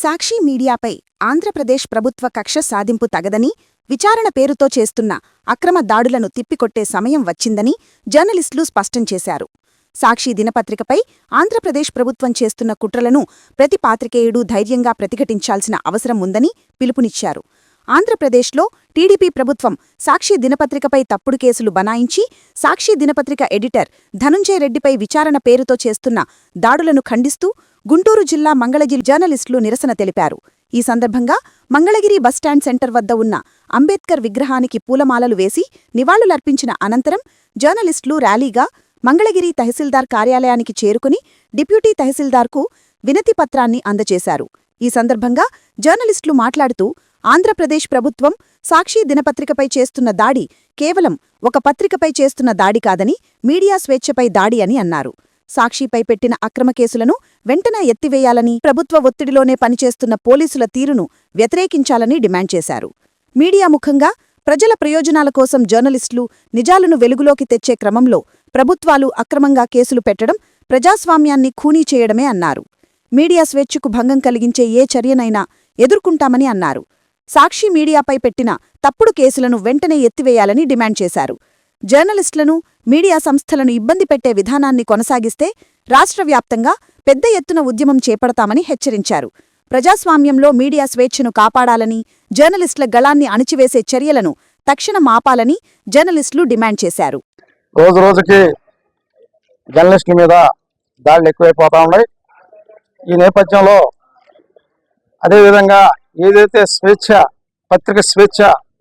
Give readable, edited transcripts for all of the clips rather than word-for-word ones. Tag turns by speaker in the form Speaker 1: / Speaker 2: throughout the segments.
Speaker 1: సాక్షి మీడియాపై ఆంధ్రప్రదేశ్ ప్రభుత్వ కక్ష సాధింపు తగదని, విచారణ పేరుతో చేస్తున్న అక్రమ దాడులను తిప్పికొట్టే సమయం వచ్చిందని జర్నలిస్టులు స్పష్టం చేశారు. సాక్షి దినపత్రికపై ఆంధ్రప్రదేశ్ ప్రభుత్వం చేస్తున్న కుట్రలను ప్రతి పాత్రికేయుడూ ధైర్యంగా ప్రతిఘటించాల్సిన అవసరం ఉందని పిలుపునిచ్చారు. ఆంధ్రప్రదేశ్లో టీడీపీ ప్రభుత్వం సాక్షి దినపత్రికపై తప్పుడు కేసులు బనాయించి సాక్షి దినపత్రిక ఎడిటర్ ధనుంజయ రెడ్డిపై విచారణ పేరుతో చేస్తున్న దాడులను ఖండిస్తూ గుంటూరు జిల్లా మంగళగిరి జర్నలిస్టులు నిరసన తెలిపారు. ఈ సందర్భంగా మంగళగిరి బస్టాండ్ సెంటర్ వద్ద ఉన్న అంబేద్కర్ విగ్రహానికి పూలమాలలు వేసి నివాళులర్పించిన అనంతరం జర్నలిస్టులు ర్యాలీగా మంగళగిరి తహసీల్దార్ కార్యాలయానికి చేరుకుని డిప్యూటీ తహసీల్దార్కు వినతిపత్రాన్ని అందజేశారు. ఈ సందర్భంగా జర్నలిస్టులు మాట్లాడుతూ ఆంధ్రప్రదేశ్ ప్రభుత్వం సాక్షి దినపత్రికపై చేస్తున్న దాడి కేవలం ఒక పత్రికపై చేస్తున్న దాడి కాదని, మీడియా స్వేచ్ఛపై దాడి అని అన్నారు. సాక్షిపై పెట్టిన అక్రమ కేసులను వెంటనే ఎత్తివేయాలని, ప్రభుత్వ ఒత్తిడిలోనే పనిచేస్తున్న పోలీసుల తీరును వ్యతిరేకించాలని డిమాండ్ చేశారు. మీడియా ముఖంగా ప్రజల ప్రయోజనాల కోసం జర్నలిస్టులు నిజాలను వెలుగులోకి తెచ్చే క్రమంలో ప్రభుత్వాలు అక్రమంగా కేసులు పెట్టడం ప్రజాస్వామ్యాన్ని ఖూనీ చేయడమే అన్నారు. మీడియా స్వేచ్ఛకు భంగం కలిగించే ఏ చర్యనైనా ఎదుర్కొంటామని అన్నారు. సాక్షి మీడియాపై పెట్టిన తప్పుడు కేసులను వెంటనే ఎత్తివేయాలని డిమాండ్ చేశారు. జర్నలిస్టులను, మీడియా సంస్థలను ఇబ్బంది పెట్టే విధానాన్ని కొనసాగిస్తే రాష్ట్రవ్యాప్తంగా పెద్ద ఎత్తున ఉద్యమం చేపడతామని హెచ్చరించారు. ప్రజాస్వామ్యంలో మీడియా స్వేచ్ఛను కాపాడాలని, జర్నలిస్టుల గళాన్ని అణిచివేసే చర్యలను తక్షణం ఆపాలని జర్నలిస్టులు డిమాండ్ చేశారు.
Speaker 2: రోజురోజుకి జర్నలిస్టుల మీద దాడులు ఎక్కువైపోతా ఉన్నాయి. ఈ నేపథ్యంలో అదేవిధంగా ఏదైతే స్వేచ్ఛ, పత్రిక స్వేచ్ఛ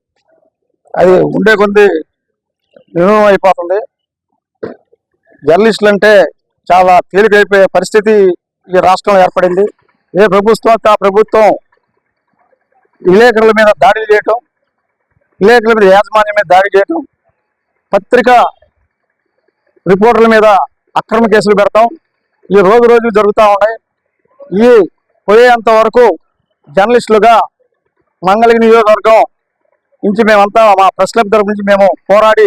Speaker 2: అది ఉండే కొద్ది నిర్మూలన అయిపోతుంది. జర్నలిస్టులు అంటే చాలా తేలికైపోయే పరిస్థితి ఈ రాష్ట్రంలో ఏర్పడింది. ఏ ప్రభుత్వం ఆ ప్రభుత్వం విలేకరుల మీద దాడులు చేయటం, విలేకరుల మీద యాజమాన్యం మీద దాడి చేయటం, పత్రిక రిపోర్టర్ల మీద అక్రమ కేసులు పెడతాం ఈ రోజు జరుగుతూ ఉన్నాయి. ఈ పోయేంత వరకు జర్నలిస్టులుగా మంగళగిరి నియోజకవర్గం నుంచి మేమంతా మా ప్రెస్ క్లబ్ తరఫు నుంచి మేము పోరాడి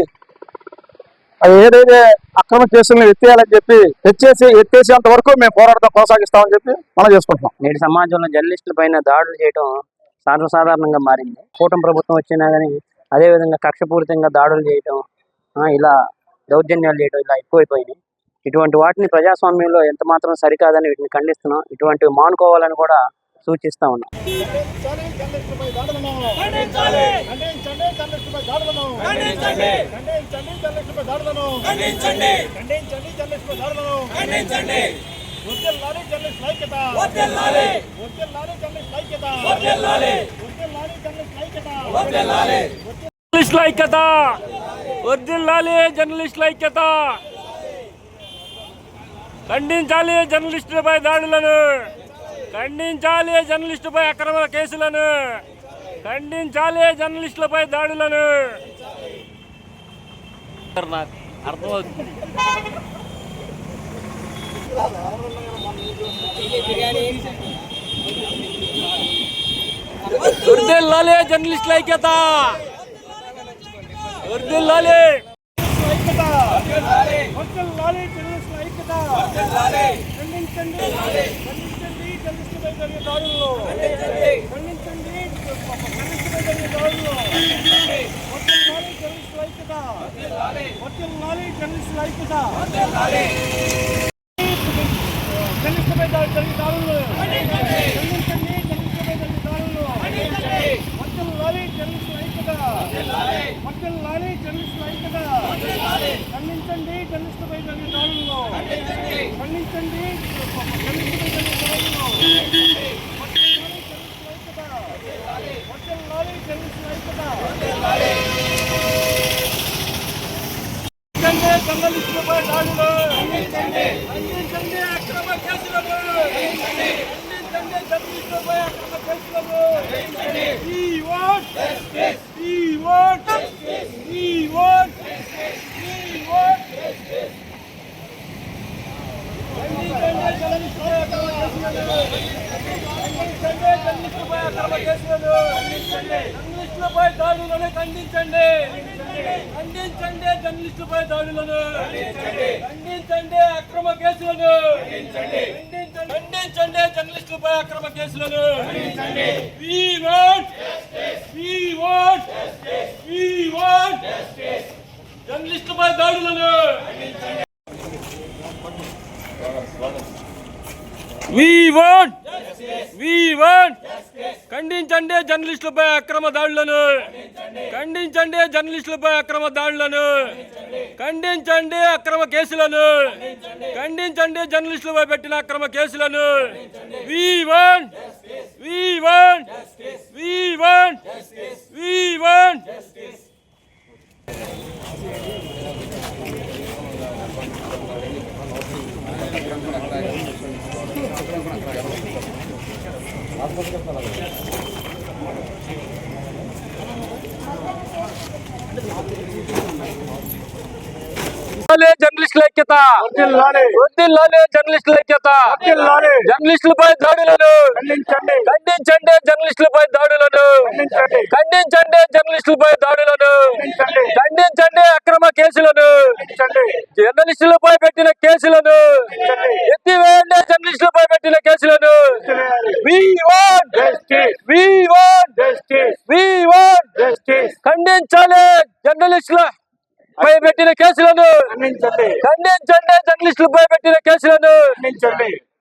Speaker 2: అది ఏదైతే అక్రమ కేసులను ఎత్తేయాలని చెప్పి ఎత్తేసేంత వరకు మేము పోరాటం కొనసాగిస్తామని చెప్పి మనం చేసుకుంటున్నాం.
Speaker 3: నేటి సమాజంలో జర్నలిస్టుల పైన దాడులు చేయడం సర్వసాధారణంగా మారింది. కూటమి ప్రభుత్వం వచ్చినా కానీ అదేవిధంగా కక్షపూరితంగా దాడులు చేయడం, ఇలా దౌర్జన్యాలు చేయడం ఇలా ఎక్కువైపోయినాయి. ఇటువంటి వాటిని ప్రజాస్వామ్యంలో ఎంత మాత్రం సరికాదని వీటిని ఖండిస్తున్నాం. ఇటువంటివి మానుకోవాలని కూడా సూచిస్తా ఉన్నాం.
Speaker 4: ఖండించాలి జర్నలిస్టులపై దాడులను, ఖండించాలి జర్నలిస్టులపై అక్రమ కేసులను, ఖండించాలి జర్నలిస్టులపై దాడులను. అర్థమవుతుంది. వర్ధిల్లాలి జర్నలిస్టుల ఐక్యత, వర్ధిల్లాలి. జర్నలిస్టులపై దాడులు ఖండించండి, అక్రమ కేసులను ఖండించండి, జర్నలిస్టులపై అక్రమ కేసులను. We want justice. We want justice. We want justice. We want justice. ఖండించండి జర్నలిస్టులపై అక్రమ కేసులను, ఖండించండి జర్నలిస్టులపై అక్రమ కేసులను, జర్నలిస్టులపై దాడులను ఖండించండి, ఖండించండి జర్నలిస్టులపై దాడులను, ఖండించండి అక్రమ కేసులను, ఖండించండి. ఖండించండి జర్నలిస్టులపై అక్రమ కేసులను. We want జర్నలిస్టులపై దాడులను. We want ఖండించండి జర్నలిస్టులపై అక్రమ దాడులను. ఖండించండి జర్నలిస్టులపై అక్రమ దాడులను. ఖండించండి అక్రమ కేసులను. ఖండించండి జర్నలిస్టులపై పెట్టిన అక్రమ కేసులను. We want జర్నలిస్టుల ఐక్యత. వద్దిల్లాలే జర్నలిస్టుల ఐక్యత. జర్నలిస్టులపై దాడులను ఖండించండి. జర్నలిస్టులపై దాడులను ఖండించండి. జర్నలిస్టులపై దాడులను ఖండించండి. అక్రమ కేసులను జర్నలిస్టులపై పెట్టిన కేసులను ఎత్తివేయండి. జర్నలిస్టులపై పెట్టిన కేసులను. We want ఖండించాలి జర్నలిస్టుల పై పెట్టిన కేసులను. ఖండించండి జర్నలిస్టులపై పెట్టిన కేసులను.